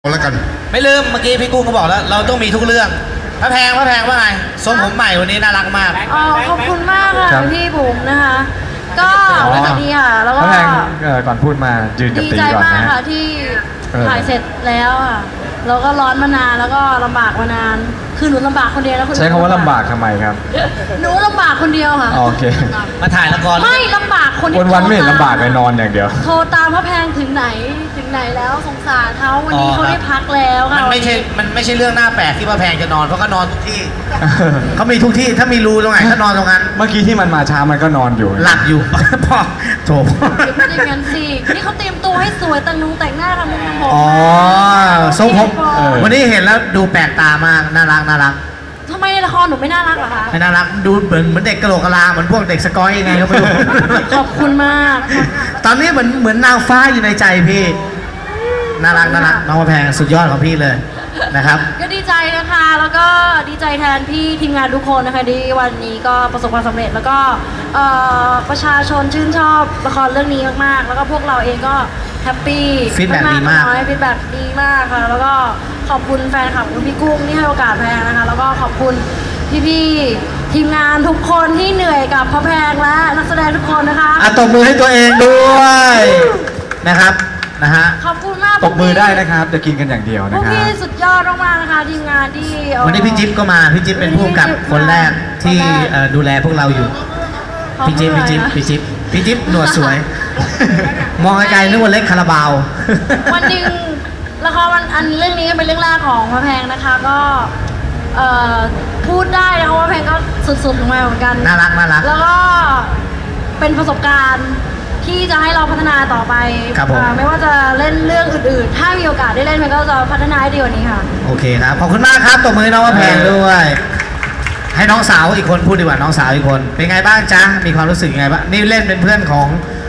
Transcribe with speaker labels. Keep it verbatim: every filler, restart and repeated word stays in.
Speaker 1: แล้วกัน
Speaker 2: ไม่ลืมเมื่อกี้พี่กุ้งก็บอกแล้วเราต้องมีทุกเรื่องพระแพงพระแพงว่าไงทรงผมใหม่วันนี้น่ารักมาก
Speaker 3: อ๋อขอบคุณมากค่ะพี่บุ๋มนะคะก็รู้สึกดีค่ะแล้วก็
Speaker 4: ก่อนพูดมายืนกับตีก่อนนะดีใจ
Speaker 3: มากค่ะที่ถ่ายเสร็จแล้วอ่ะเราก็ร้อนมานานแล้วก็ลำบากมานานคือหนูลำบากคนเดียวแล้ว
Speaker 4: ใช้คำว่าลำบากทำไมครับ
Speaker 3: หนูลำบากคนเดียวค่ะ
Speaker 4: โอเค
Speaker 2: มาถ่ายละคร
Speaker 3: ไม่ลำบากคน
Speaker 4: วันวันไม่เห็นลำบากเลยนอนอย่างเดียว
Speaker 3: โทรตามพระแพงถึงไหนถึงไหนแล้วสงสารเขาวันนี้เขาได้พักแล้วค่ะ
Speaker 2: มันไม่ใช่มันไม่ใช่เรื่องน่าแปลกที่พระแพงจะนอนเพราะเขานอนทุกที่เขามีทุกที่ถ้ามีรูตรงไหนเขานอนตรงนั้น
Speaker 4: เมื่อกี้ที่มันมาช้ามันก็นอนอยู่
Speaker 2: หลับอยู่พ่อโถ
Speaker 3: ไม่ได้งั้นสินี่เขาเตรียมตัวให้สวยแต่งนุ่งแต่งหน้าทำมุมทำผม
Speaker 2: อ๋อทรงผมวันนี้เห็นแล้วดูแปลกตามากน่ารักน่ารัก
Speaker 3: ทำไมในละครหนูไม่น่ารักเหรอคะ
Speaker 2: ไม่น่ารักดูเหมือนเหมือนเด็กกะโหลกกะลาเหมือนพวกเด็กสกอยยังไงก็ไม่รู้
Speaker 3: ขอบคุณมาก
Speaker 2: ตอนนี้เหมือนเหมือนนางฟ้าอยู่ในใจพี่น่ารักน่ารักน้องพระแพงสุดยอดของพี่เลยนะครับ
Speaker 3: ก็ดีใจนะคะแล้วก็ดีใจแทนพี่ทีมงานทุกคนนะคะที่วันนี้ก็ประสบความสำเร็จแล้วก็ประชาชนชื่นชอบละครเรื่องนี้มากๆแล้วก็พวกเราเองก็แฮปปี้
Speaker 2: ฟีดแบ็กดีมาก
Speaker 3: ฟีดแบ็กดีมากค่ะแล้วก็ขอบคุณแฟนคลับคุณพี่กุ้งที่ให้โอกาสแพงนะคะแล้วก็ขอบคุณพี่ๆทีมงานทุกคนที่เหนื่อยกับพระแพงและนักแสดงทุกคนนะคะ
Speaker 2: อ่ะตบมือให้ตัวเองด้วยนะครับนะฮะ
Speaker 3: ขอบคุณมาก
Speaker 4: ตบมือได้นะครับจะกินกันอย่างเดียวนะครับ
Speaker 3: พี่สุดยอดมากๆนะคะทีมงานที่
Speaker 2: วันนี้พี่จิ๊บก็มาพี่จิ๊บเป็นผู้กำกับคนแรกที่ดูแลพวกเราอยู่พี่จิ๊บพี่จิ๊บพี่จิ๊บพี่จิ๊บหนวดสวยมองไกลๆนึกว่าเล็กคาราบาว
Speaker 3: วันหนึ่งละครวันอันเรื่องนี้ก็เป็นเรื่องแรกของพระแพงนะคะก็พูดได้นะคะว่าแพงก็สุดๆลงมาเหมือนกัน
Speaker 2: น่ารักน่ารัก
Speaker 3: แล้วก็เป็นประสบการณ์ที่จะให้เราพัฒนาต่อไปไม่ว่าจะเล่นเรื่องอื่นๆถ้ามีโอกาสได้เล่นแพงก็จะพัฒนาให้ดีกว่านี้ค่ะ
Speaker 2: โอเคครับขอบคุณมากครับตบมือน้องพระแพงด้วยให้น้องสาวอีกคนพูดดีกว่าน้องสาวอีกคนเป็นไงบ้างจ๊ะมีความรู้สึกยังไงบ้างนี่เล่นเป็นเพื่อนของ